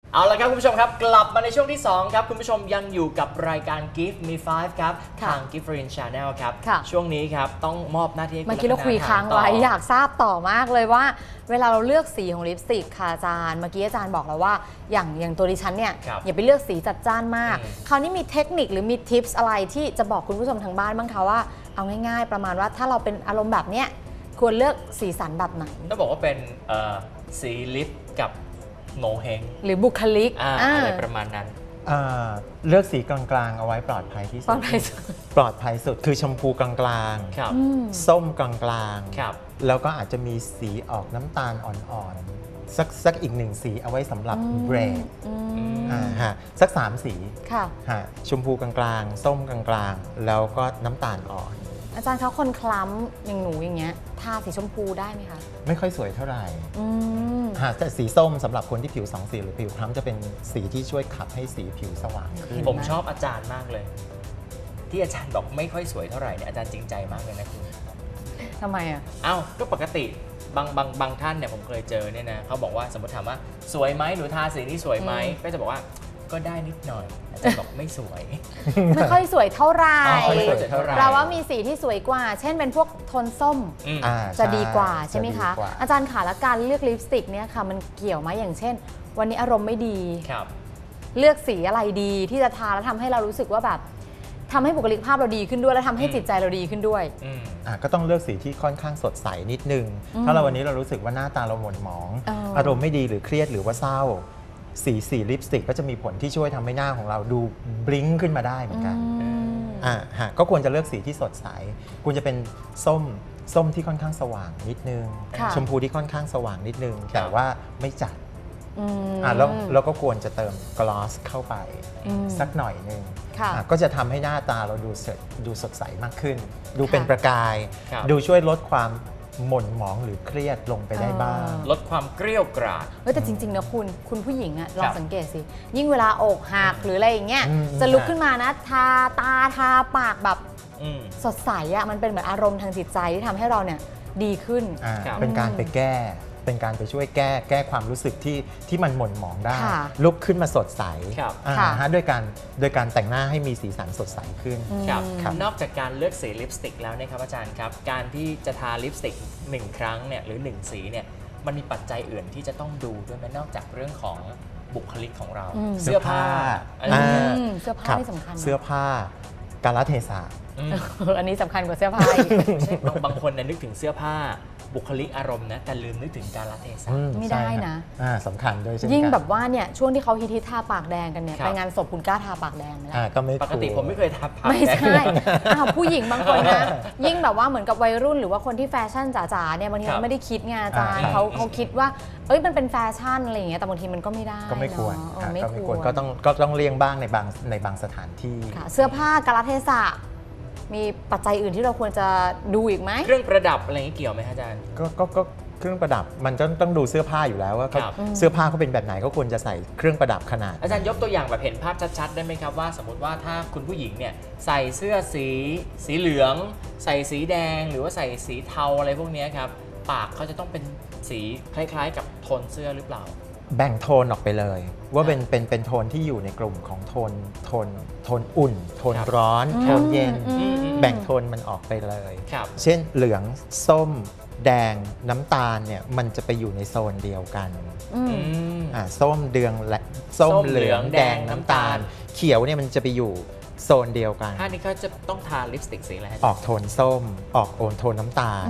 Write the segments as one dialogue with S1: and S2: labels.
S1: เอาละครับคุณผู้ชมครับกลับมาในช่วงที่2ครับคุณผู้ชมยังอยู่กับรายการ Give Me 5ครับทาง Giverin Channel ครับช่วงนี้ครับต้องมอบหน้าที่ให้คุณ
S2: เมื่อกี้เราคุยค้างไว้อยากทราบต่อมากเลยว่าเวลาเราเลือกสีของลิปสติกค่ะอาจารย์เมื่อกี้อาจารย์บอกแล้วว่าอย่างตัวดิฉันเนี่ยอย่าไปเลือกสีจัดจ้านมากคราวนี้มีเทคนิคหรือมีทิปส์อะไรที่จะบอกคุณผู้ชมทางบ้านบ้างคะว่าเอาง่ายๆประมาณว่าถ้าเราเป็นอารมณ์แบบเนี้ยควรเลือกสีสันแบบไหน
S1: ต้องบอกว่าเป็นสีลิปกับโงเฮง
S2: หรือบุคลิก
S1: อะไรประมาณนั้น
S3: เลือกสีกลางๆเอาไว้ปลอดภัยที่สุดปลอดภัยสุดคือชมพูกลางๆส้มกลางๆแล้วก็อาจจะมีสีออกน้ำตาลอ่อนๆสักอีกหนึ่งสีเอาไว้สำหรับเบรกสัก3สีชมพูกลางๆส้มกลางๆแล้วก็น้ำตาลอ่อน
S2: อาจารย์เขาคนคล้ำอย่างหนูอย่างเงี้ยทาสีชมพูได้ไหมคะ
S3: ไม่ค่อยสวยเท่าไหร่แต่สีส้มสำหรับคนที่ผิว2สีหรือผิวคล้ำจะเป็นสีที่ช่วยขับให้สีผิวสว่างขึ้น
S1: ผมชอบอาจารย์มากเลยที่อาจารย์บอกไม่ค่อยสวยเท่าไหร่เนี่ยอาจารย์จริงใจมากเลยนะคุณ
S2: ทำไมอ่ะ
S1: ก็ปกติบางท่านเนี่ยผมเคยเจอเนี่ยนะเขาบอกว่าสมมติถามว่าสวยไหมหนูทาสีนี้สวยไหมก็จะบอกว่าก็ได้นิดหน่อยอาจารย์บอกไม่สวย
S2: ไม่ค่อยสวยเท่าไหร่เราว่ามีสีที่สวยกว่าเช่นเป็นพวกโทนส้มจะดีกว่าใช่ไหมคะอาจารย์ค่ะและการเลือกลิปสติกเนี่ยค่ะมันเกี่ยวไหมอย่างเช่นวันนี้อารมณ์ไม่ดีเลือกสีอะไรดีที่จะทาแล้วทำให้เรารู้สึกว่าแบบทำให้บุคลิกภาพเราดีขึ้นด้วยและทำให้จิตใจเราดีขึ้นด้วย
S3: ก็ต้องเลือกสีที่ค่อนข้างสดใสนิดนึงถ้าเราวันนี้เรารู้สึกว่าหน้าตาเราหม่นหมองอารมณ์ไม่ดีหรือเครียดหรือว่าเศร้าสีลิปสติกก็จะมีผลที่ช่วยทำให้หน้าของเราดูบลิ้งขึ้นมาได้เหมือนกันก็ควรจะเลือกสีที่สดใสควรจะเป็นส้มที่ค่อนข้างสว่างนิดนึงชมพูที่ค่อนข้างสว่างนิดนึงแต่ว่าไม่จัดแล้วก็ควรจะเติมกลอสเข้าไปสักหน่อยนึงก็จะทำให้หน้าตาเราดูสดใสมากขึ้นดูเป็นประกายดูช่วยลดความหม่นหมองหรือเครียดลงไปได้บ้าง
S1: ลดความเกรี้ยวกราด
S2: แต่จริงๆนะคุณผู้หญิงอะลองสังเกตสิยิ่งเวลาอกหักหรืออะไรอย่างเงี้ยจะลุกขึ้นมานะทาตาทาปากแบบสดใสอะมันเป็นเหมือนอารมณ์ทางจิตใจที่ทำให้เราเนี่ยดีขึ้น
S3: เป็นการไปแก้เป็นการไปช่วยแก้ความรู้สึกที่มันหม่นหมองได้ลุกขึ้นมาสดใสด้วยการแต่งหน้าให้มีสีสันสดใสขึ้น
S1: นอกจากการเลือกสีลิปสติกแล้วนะครับอาจารย์ครับการที่จะทาลิปสติก1ครั้งเนี่ยหรือ1สีเนี่ยมันมีปัจจัยอื่นที่จะต้องดูด้วยไหมนอกจากเรื่องของบุคลิกของเรา
S3: เสื้อผ้า
S2: เสื้อผ้าที่สำคัญ
S3: เสื้อผ้า กาลเทศะ
S2: อันนี้สำคัญกว่าเสื้อผ้า
S1: บางคนนึกถึงเสื้อผ้าบุคลิกอารมณ์นะแต่ลืมนึกถึงกาลเทศะ
S2: ไม่ได้นะ
S3: สำคัญด้วยใช่ไหม
S2: ยิ่งแบบว่าเนี่ยช่วงที่เขาฮิตทาปากแดงกันเนี่ยไปงานศพคุณกล้าทาปากแดงไหมล่ะ
S3: ก็ไม่
S1: ปกติผมไม่เคยทาปากแดง
S2: ไม่ใช่ผู้หญิงบางคนนะยิ่งแบบว่าเหมือนกับวัยรุ่นหรือว่าคนที่แฟชั่นจ๋าๆเนี่ยบางทีเขาไม่ได้คิดไงอาจารย์เขาคิดว่ามันเป็นแฟชั่นอะไรอย่างเงี้ยแต่บางทีมันก็ไม่ได้
S3: ก็ไม่ควรก็ต้องเลี่ยงบ้างในบางสถานที่
S2: เสื้อผ้ากาลเทศะมีปัจจัยอื่นที่เราควรจะดูอีกไหม
S1: เครื่องประดับอะไรนี้เกี่ยวไหมอาจารย์
S3: ก็เครื่องประดับมันต้องดูเสื้อผ้าอยู่แล้วว่าเสื้อผ้าเขาเป็นแบบไหนก็ควรจะใส่เครื่องประดับขนาด
S1: อาจารย์ยกตัวอย่างแบบเห็นภาพชัดๆได้ไหมครับว่าสมมติว่าถ้าคุณผู้หญิงเนี่ยใส่เสื้อสีเหลืองใส่สีแดงหรือว่าใส่สีเทาอะไรพวกนี้ครับปากเขาจะต้องเป็นสีคล้ายๆกับโทนเสื้อหรือเปล่า
S3: แบ่งโทนออกไปเลยว่าเป็นโทนที่อยู่ในกลุ่มของโทนอุ่นโทนร้อนโทนเย็นแบ่งโทนมันออกไปเลยเช่นเหลืองส้มแดงน้ำตาลเนี่ยมันจะไปอยู่ในโซนเดียวกันส้มเหลืองแดงน้ำตาลเขียวเนี่ยมันจะไปอยู่โซนเดียวกัน
S1: ถ้านี้เขาจะต้องทาลิปสติกสีอะไร
S3: ออกโทนส้มออกโทนน้ำตาล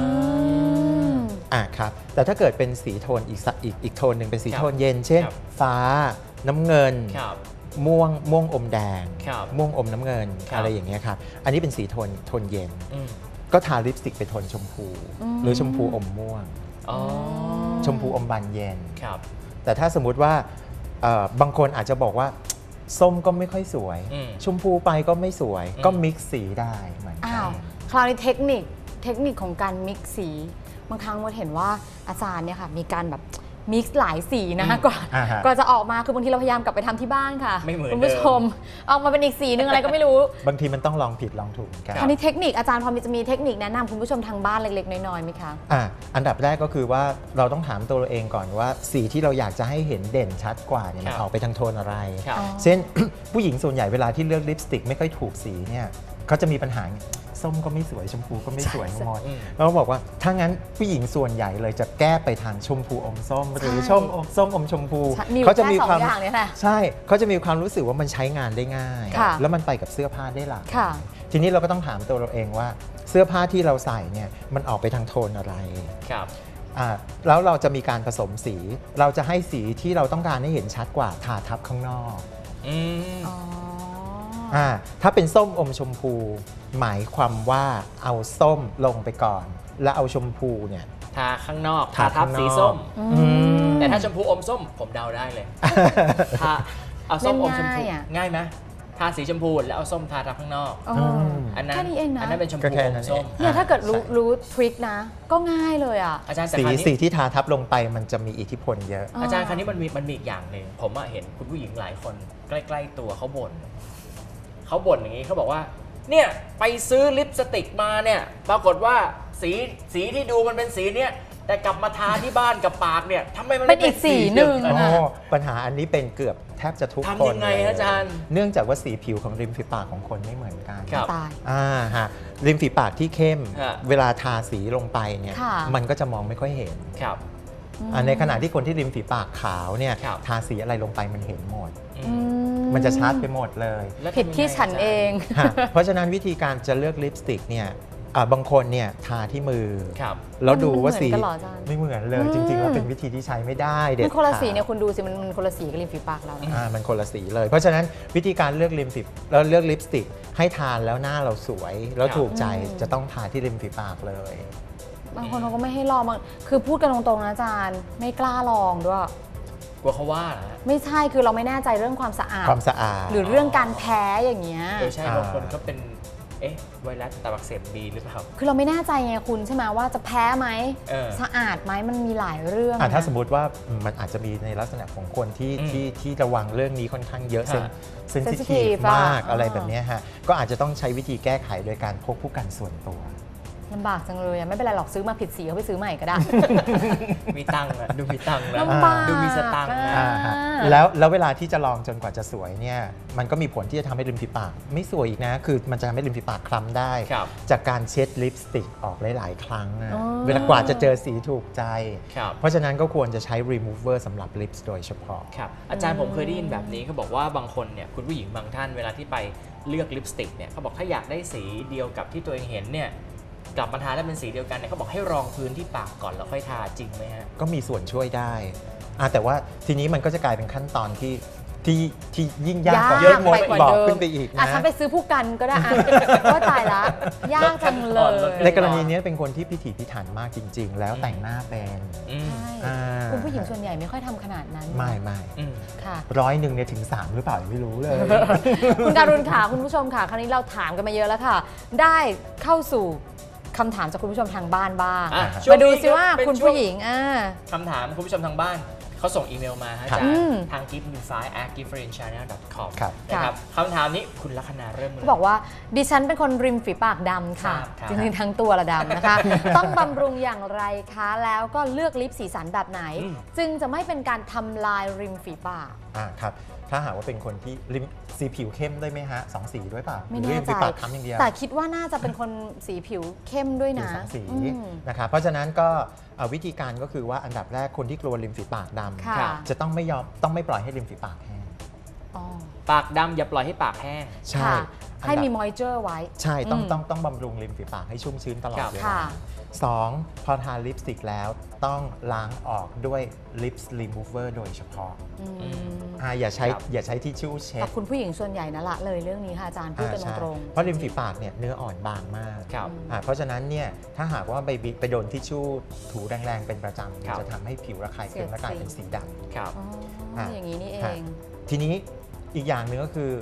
S3: ครับแต่ถ้าเกิดเป็นสีโทนอีกโทนหนึ่งเป็นสีโทนเย็นเช่นฟ้าน้ำเงินม่วงอมแดงม่วงอมน้ำเงินอะไรอย่างเงี้ยครับอันนี้เป็นสีโทนเย็นก็ทาลิปสติกเป็นโทนชมพูหรือชมพูอมม่วงชมพูอมบานเย็นแต่ถ้าสมมุติว่าบางคนอาจจะบอกว่าส้มก็ไม่ค่อยสวยชมพูไปก็ไม่สวยก็มิกซ์สีได้เหมือนกัน
S2: คราวนี้เทคนิคของการมิกซ์สีบางครั้งเราเห็นว่าอาจารย์เนี่ยค่ะมีการแบบมิกซ์หลายสีนะกว่าจะออกมาคือบางทีเราพยายามกลับไปทำที่บ้านค่ะ
S1: ไม่เหมือน
S2: คุณผู้ชมออกมาเป็นอีกสีนึงอะไรก็ไม่รู้
S3: บางทีมันต้องลองผิดลองถูกกัน
S2: คราวนี้เทคนิคอาจารย์พอจะมีเทคนิคแนะนำคุณผู้ชมทางบ้านเล็กๆน้อยๆไหมคะ
S3: อันดับแรกก็คือว่าเราต้องถามตัวเราเองก่อนว่าสีที่เราอยากจะให้เห็นเด่นชัดกว่าเนี่ยมันออกไปทางโทนอะไรเช่น ผู้หญิงส่วนใหญ่เวลาที่เลือกลิปสติกไม่ค่อยถูกสีเนี่ยเขาจะมีปัญหาส้มก็ไม่สวยชมพูก็ไม่สวยหมดเราบอกว่าถ้างั้นผู้หญิงส่วนใหญ่เลยจะแก้ไปทางชมพูอมส้มหรือส้มอมชมพู
S2: เขาจะมีความ
S3: ใช่เขาจะมีความรู้สึกว่ามันใช้งานได้ง่ายแล้วมันไปกับเสื้อผ้าได้หลากทีนี้เราก็ต้องถามตัวเราเองว่าเสื้อผ้าที่เราใส่เนี่ยมันออกไปทางโทนอะไรแล้วเราจะมีการผสมสีเราจะให้สีที่เราต้องการให้เห็นชัดกว่าทาทับข้างนอกถ้าเป็นส้มอมชมพูหมายความว่าเอาส้มลงไปก่อนแล้วเอาชมพูเนี่ย
S1: ทาข้างนอกทาทับสีส้มแต่ถ้าชมพูอมส้มผมเดาได้เลยทาเอาส้มอมชมพูง่ายไหมทาสีชมพูแล้วเอาส้มทาทับข้างนอกอันนั้นเป็นชมพูอมส้ม
S2: เนี่ยถ้าเกิดรู้ทริคนะก็ง่ายเลยอ่ะ
S3: อาจารย์สีที่ทาทับลงไปมันจะมีอิทธิพลเยอะ
S1: อาจารย์คราวนี้มันมีอีกอย่างหนึ่งผมเห็นคุณผู้หญิงหลายคนใกล้ๆตัวเขาบ่นอย่างนี้เขาบอกว่าเนี่ยไปซื้อลิปสติกมาเนี่ยปรากฏว่าสีที่ดูมันเป็นสีเนี้ยแต่กลับมาทาที่บ้านกับปากเนี่ยทำไมมัน
S2: เป็นอีกสีหนึ่ง
S3: ปัญหาอันนี้เป็นเกือบแทบจะทุกคน
S1: ทำยังไงอาจารย์
S3: เนื่องจากว่าสีผิวของริมฝีปากของคนไม่เหมือนกัน
S2: ตาย
S3: ริมฝีปากที่เข้มเวลาทาสีลงไปเนี่ยมันก็จะมองไม่ค่อยเห็นในขณะที่คนที่ริมฝีปากขาวเนี่ยทาสีอะไรลงไปมันเห็นหมดมันจะชัดไปหมดเลย
S2: ผิดที่ฉันเอง
S3: เพราะฉะนั้นวิธีการจะเลือกลิปสติกเนี่ยบางคนเนี่ยทาที่มือแล้วดูว่าสีไม่เหมือนเลยจริงๆแล้วเป็นวิธีที่ใช้ไม่ได้เด็ดขาด
S2: มันคนละสีเนี่ยคุณดูสิมันคนละสีกับริมฝีปากเรา
S3: มันคนละสีเลยเพราะฉะนั้นวิธีการเลือกแล้วเลือกลิปสติกให้ทานแล้วหน้าเราสวยแล้วถูกใจจะต้องทาที่ริมฝีปากเลย
S2: บางคนเขาก็ไม่ให้ลองคือพูดกันตรงๆนะอาจารย์ไม่กล้าลองด้วย
S1: กลัวเขาว่านะ
S2: ไม่ใช่คือเราไม่แน่ใจเรื่องความสะอาดหรือเรื่องการแพ้อย่างเงี้ย
S1: ใช่บางคนก็เป็นไวรัสตับอักเสบบีหรือเปล่า
S2: คือเราไม่แน่ใจไงคุณใช่ไหมว่าจะแพ้ไหมสะอาดไหมมันมีหลายเรื่อง
S3: ถ้าสมมติว่ามันอาจจะมีในลักษณะของคนที่ระวังเรื่องนี้ค่อนข้างเยอะเซนซิทีฟมากอะไรแบบนี้ฮะก็อาจจะต้องใช้วิธีแก้ไขโดยการพกผู้กันส่วนตัว
S2: ลำบากจังเลยไม่เป็นไรหรอกซื้อมาผิดสีเขาไปซื้อใหม่ก็ได้
S1: มีตังค์ดูมีตังค์นะ
S2: ดู
S1: มีสตังค์
S3: แล้วเวลาที่จะลองจนกว่าจะสวยเนี่ยมันก็มีผลที่จะทำให้ริมฝีปากไม่สวยอีกนะคือมันจะทำให้ริมฝีปากคล้ำได้จากการเช็ดลิปสติกออกหลายๆครั้งเวลากว่าจะเจอสีถูกใจเพราะฉะนั้นก็ควรจะใช้ remover สำหรับลิปโดยเฉพาะ
S1: ครับอาจารย์ผมเคยได้ยินแบบนี้เขาบอกว่าบางคนเนี่ยคุณผู้หญิงบางท่านเวลาที่ไปเลือกลิปสติกเนี่ยเขาบอกถ้าอยากได้สีเดียวกับที่ตัวเองเห็นเนี่ยกลับมาทาแล้วเป็นสีเดียวกันเนี่ยเขาบอกให้รองพื้นที่ปากก่อนแล้วค่อยทาจริงไหมฮะ
S3: ก็มีส่วนช่วยได้แต่ว่าทีนี้มันก็จะกลายเป็นขั้นตอนที่ยิ่งยากกว่าเยอะบอกขึ้นไปอีกนะ
S2: ฉันไปซื้อผู้กันก็ได้ก็ตายละยากจังเลย
S3: ในกรณีนี้เป็นคนที่พิถีพิถันมากจริงๆแล้วแต่งหน้าเป็น
S2: คุณผู้หญิงส่วนใหญ่ไม่ค่อยทำขนาดนั้น
S3: ไม่ค่ะ100เนี่ยถึง3หรือเปล่าไม่รู้เลย
S2: คุณการุณค่ะคุณผู้ชมค่ะคราวนี้เราถามกันมาเยอะแล้วค่ะได้เข้าสู่คำถามจากคุณผู้ชมทางบ้านบ้างมาดูซิว่าคุณผู้หญิง
S1: คำถามคุณผู้ชมทางบ้านเขาส่งอีเมลมาจากทาง giftdesign@giftfriendchannel.com นะครับคำถามนี้คุณลัคนาเริ่ม
S2: เขาบอกว่าดิฉันเป็นคนริมฝีปากดำค่ะจริงๆทั้งตัวละดำนะคะต้องบำรุงอย่างไรคะแล้วก็เลือกลิปสีสันแบบไหนจึงจะไม่เป็นการทำลายริมฝีปาก
S3: ครับถ้าหากว่าเป็นคนที่ริมสีผิวเข้มได้ไหมฮะ2สีด้วยป่ะ
S2: ไม่แน่ใจแต่คิดว่าน่าจะเป็นคนสีผิวเข้มด้วยนะ
S3: 2สีนะครับเพราะฉะนั้นก็วิธีการก็คือว่าอันดับแรกคนที่กลัวริมฝีปากดำจะต้องไม่ปล่อยให้ริมฝีปากแห้ง
S1: ปากดำอย่าปล่อยให้ปากแห้ง
S3: ใช่
S2: ให้มีมอยเจอร์ไว้
S3: ใช่ต้องบำรุงริมฝีปากให้ชุ่มชื้นตลอดเวลา2พอทาลิปสติกแล้วต้องล้างออกด้วยลิปส์รีมูเวอร์โดยเฉพาะอย่าใช้ทิชชู่เช็ด
S2: คุณผู้หญิงส่วนใหญ่นะละเลยเรื่องนี้ค่ะอาจารย์พูดกันตรง
S3: เพราะริมฝีปากเนี่ยเนื้ออ่อนบางมากเพราะฉะนั้นเนี่ยถ้าหากว่าไปโดนทิชชู่ถูแรงๆเป็นประจำจะทำให้ผิวระคายเคืองและกลายเป็นสีดำ
S2: อย่างนี้นี่เอง
S3: ทีนี้อีกอย่างหนึ่งก็คือ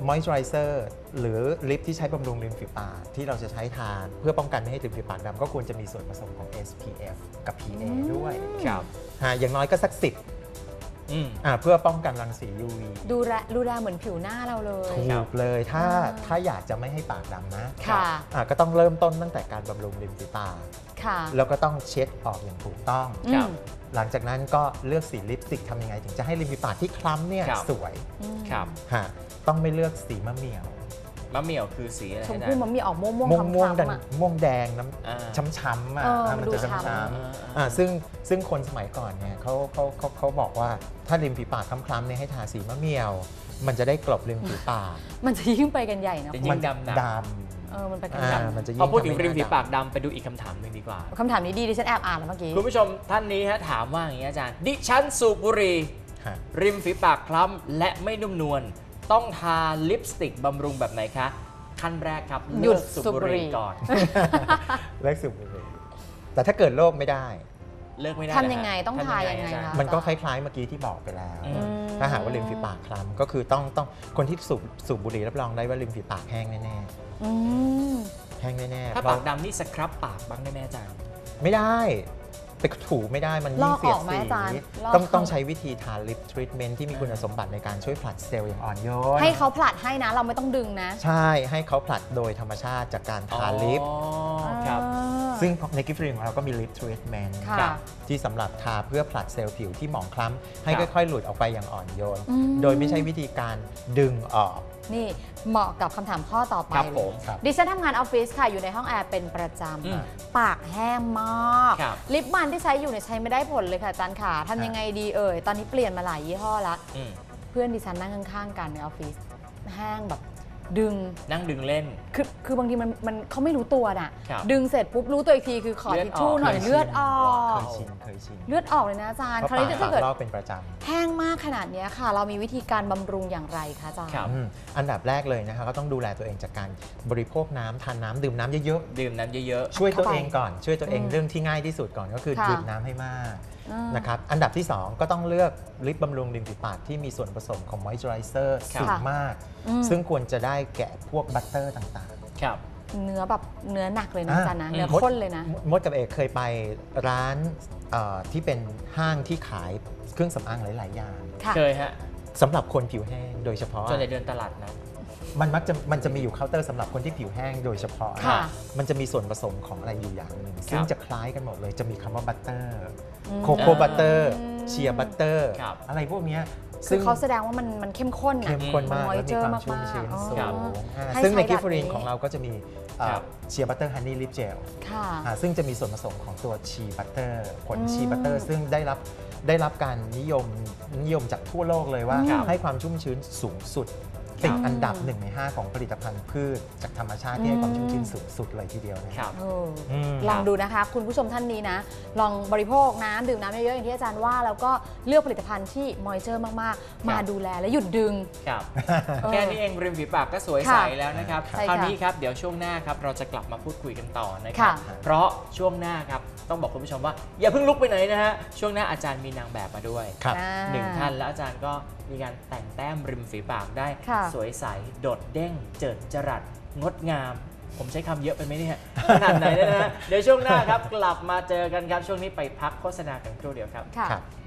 S3: moisturizer หรือลิปที่ใช้บำรุงริมฝีปากที่เราจะใช้ทาเพื่อป้องกันไม่ให้ริมฝีปากดำก็ควรจะมีส่วนผสมของ SPF กับ PA ด้วย
S1: ครับ
S3: อย่างน้อยก็สัก 10 เพื่อป้องกันรังสี UV
S2: ดูแลเหมือนผิวหน้าเราเลย
S3: ถูกเลยถ้าอยากจะไม่ให้ปากดำนะ
S2: ค่ะ
S3: ก็ต้องเริ่มต้นตั้งแต่การบำรุงริมฝีปาก
S2: ค่ะ
S3: แล้วก็ต้องเช็ดออกอย่างถูกต้อง
S1: ครับ
S3: หลังจากนั้นก็เลือกสีลิปสติกทำยังไงถึงจะให้ริมฝีปากที่คล้ำเนี่ย
S1: ครับ
S3: สวย
S1: ครับ
S3: ต้องไม่เลือกสีมะเหมี่ยว
S1: มะเหมี่ยวคือสีอะไร
S2: ชม
S1: นะ
S2: พู่มันมีออกม่วง
S3: ม่วง
S2: คล้ำ
S3: ม่วง
S2: ๆอะ
S3: ม่วงแดงน้
S1: อ่า
S3: ำช้ำๆอ่ะ
S2: มัน
S3: มัน
S2: ดู
S3: จะ
S2: ช้ำ
S3: ช้ำๆซึ่งคนสมัยก่อนเนี่ยเขาบอกว่าถ้าริมฝีปากคล้ำๆเนี่ยให้ทาสีมะเหมี่ยว มันจะได้กลบริมฝีปาก
S2: มันจะยิ่งไปกันใหญ่นะ
S1: จะ
S2: คุณ
S1: ยิ่
S3: มั
S1: งดำ
S3: ด
S2: มันไป
S3: ำ
S2: กันใหญ่
S3: มันจะยิ่
S1: พอง พูดถึง
S3: ทำให้
S1: ริมฝีปาก
S3: หน้
S1: ดำไปดูอีกคำถามหนึ่งดีกว่า
S2: คำถามนี้ดีดิฉันแอบอ่านแล้วเมื่อกี้
S1: คุณผู้ชมท่านนี้ฮะถามว่าอย่างนี้อาจารย์ ดิฉันสูบบุหรี่
S3: ฮะ
S1: ริมฝีปากคล้ำและไม่นุ่มนวลต้องทาลิปสติกบำรุงแบบไหนคะ ขั้นแรกครับ
S2: หยุด
S1: เลิกสูบ
S2: สูบ
S1: บุ
S2: บุ
S1: ห
S2: หรี่
S1: รี่ก่อน
S3: เลิกสูบบุหรี่แต่ถ้าเกิดโรคไม่ได้
S1: เลิกไม่ได้
S2: ทำยังไง
S1: เหรฮะ
S2: ต้องทายังไง
S1: อาจาร
S2: คะ
S3: มันก็คล้ายๆเมื่อกี้ที่บอกไปแล้ว
S1: อืม
S3: ถ้าหากว่าริมฝีปากคล้ำก็คือต้องคนที่สูบบุหรี่รับรองได้ว่าริมฝีปากแห้งแน่
S2: อืม
S3: ๆแห้งแน่ๆ
S1: ถ้า
S3: เพ
S1: ปา
S3: ราะ
S1: กดำนี่สครับปากบ้างได้ไหมอาจารย์
S3: ไม่ได้ไปถูไม่ได้มันยิ่งเสียด
S2: ลอกออกไหม
S3: สี
S2: อาจารย์ลอก
S3: ต้องใช้วิธีทาลิปทรีทเมนต์ที่มีคุณสมบัติในการช่วยผลัดเซลล์อย่างอ่อนโยน
S2: ให้เขาผลัดให้นะ เราไม่ต้องดึงนะ
S3: ใช่ให้เขาผลัดโดยธรรมชาติจากการทาลิป
S1: อ๋อครับ
S3: ซึ่งในกิฟต์ฟรีของเราก็มีลิปทรีทเมนต์
S2: ค่ะ
S1: ครับ
S3: ที่สำหรับทาเพื่อผลัดเซลล์ผิวที่หมองคล้ำให้
S1: ครับ
S3: ค่อยๆ หลุดออกไปอย่างอ่อนโยน
S2: อืม
S3: โดยไม่ใช่วิธีการดึงออก
S2: นี่เหมาะกับคำถามข้อต่อไป
S1: ครับ
S2: เล
S1: ผ
S2: ย
S1: ม
S3: ครับ
S2: ดิฉันทำงานออฟฟิศค่ะ อยู่ในห้องแอร์เป็นประจ
S1: อืม
S2: ำ ปากแห้งมาก
S1: ครับ
S2: ลิปมันที่ใช้อยู่เนี่ยใช้ไม่ได้ผลเลยค่ะอาจารย์ค่ะทำยังไงดีเอ่ย ตอนนี้เปลี่ยนมาหลายยี่ห้อละ
S1: อืม
S2: เพื่อนดิฉันนั่งข้างๆกันในออฟฟิศแห้งแบบดึง
S1: นั่งดึงเล่น
S2: คือบางทีมันเขาไม่รู้ตัวน่ะ
S1: ครับ
S2: ดึงเสร็จปุ๊บรู้ตัวอีกทีคือขอ
S1: เลือด
S2: ทิชชู่
S1: ออก
S2: หน่อยเลือดออก
S3: เคยชิน
S2: เลือดออกเลยนะอาจารย์
S3: เพราะ
S2: คราวนี้
S3: ปาก
S2: ถ้าเกิด
S3: ลอกเป็นประจำ
S2: แห้งมากขนาดเนี้ยค่ะ เรามีวิธีการบำรุงอย่างไรคะอาจารย์
S1: ครับ
S3: อันดับแรกเลยนะคะก็ต้องดูแลตัวเองจากการบริโภคน้ำทานน้ำดื่มน้ำเยอะ
S1: ดื่มน้ำเยอะ
S3: ๆช่วยตัวเองก่อนช่วยตัวเอง
S2: อืม
S3: เรื่องที่ง่ายที่สุดก่อนก็คือ
S2: ค่ะ
S3: ดื่มน้ำให้มาก
S2: อ่าน
S3: นะครับอันดับที่ 2 ก็ต้องเลือกลิปบำรุงริมฝีปากที่มีส่วนผสมของมอยส์เจอไรเซอร์
S1: ครับ
S3: สูงมาก
S2: อืม
S3: ซึ่งควรจะได้แก่พวกบัตเตอร์ต่าง
S1: ๆ ครับ
S2: เนื้อแบบเนื้อหนักเลยนะอาจารย์นะ
S1: อืม
S2: เนื้อข้นเลยนะ
S3: มดกับเอกเคยไปร้านที่เป็นห้างที่ขายเครื่องสำอางหลาย ๆ อย่าง
S2: ค่ะ
S1: เคยฮะ
S3: สำหรับคนผิวแห้งโดยเฉพาะ
S1: ส่วนใหญ่เดินตลาดนะ
S3: มันจะมีอยู่เคาน์เตอร์สำหรับคนที่ผิวแห้งโดยเฉพาะ
S2: ค่ะ
S3: มันจะมีส่วนผสมของอะไรอยู่อย่างหนึ่งซึ่งจะคล้ายกันหมดเลยจะมีคำว่าบัตเตอร์
S2: อืม
S3: โคโค่บัตเตอร์
S2: อืม
S3: เชียร์บัตเตอร์
S1: ครับ
S3: อะไรพวกเนี้ย
S2: คือเขาแสดงว่ามันเข้มข้นนะ
S3: เข้มข้นมาก
S2: มัน
S3: และมีความ
S2: moisture
S3: ชุ่มชื้น
S2: มากๆ
S3: สู
S1: ครั
S3: ง
S1: บ
S2: ให้
S3: ซึ่งใน
S2: ใช้
S3: กิฟ
S2: แบบ
S3: ฟรีน
S2: นี้
S3: ของเราก็จะมี
S1: ครับ
S3: เชียร์บัตเตอร์ฮันนี่ลิปเจล
S2: ค่ะ
S3: ซึ่งจะมีส่วนผสมของตัวชีบัตเตอร์ผล
S2: อืม
S3: ชีบัตเตอร์ซึ่งได้รับการนิยมจากทั่วโลกเลยว่า
S1: ครับ
S3: ให้ความชุ่มชื้นสูงสุดติดอันดับ 1 ใน 5 ของผลิตภัณฑ์พืชจากธรรมชาติที่ให้ความชุ่มชื้นสูงสุดเลยทีเดียวนะ
S1: ครับ
S2: ลองดูนะคะ คุณผู้ชมท่านนี้นะ ลองบริโภคน้ำดื่มน้ำเยอะๆอย่างที่อาจารย์ว่า แล้วก็เลือกผลิตภัณฑ์ที่มอยเจอร์มากๆ มาดูแลและหยุดดึง
S1: ครับ
S2: เออ
S1: แค่นี้เองริมฝีปากก็สวยใส
S2: ค่ะ
S1: แล้วนะครับ
S2: ใช่
S1: คราว
S2: ค่ะ
S1: นี้ครับเดี๋ยวช่วงหน้าครับเราจะกลับมาพูดคุยกันต่อนะครับ
S2: ค่ะ
S1: เพราะช่วงหน้าครับต้องบอกคุณผู้ชมว่าอย่าเพิ่งลุกไปไหนนะฮะช่วงหน้าอาจารย์มีนางแบบมาด้วย
S3: ครับ
S2: อ่า
S1: หนึ่งท่านแล้วอาจารย์ก็มีการแต่งแต้มริมฝีปากได้
S2: ค่ะ
S1: สวยใสโดดเด้งเจิดจรัสงดงาม ผมใช้คำเยอะไปไหมเนี่ยขนาดไหนเนี่ยนะฮะเดี๋ยวช่วงหน้าครับกลับมาเจอกันครับช่วงนี้ไปพักโฆษณากันครู่เดียวครับ
S2: ค่ะ
S3: ครับ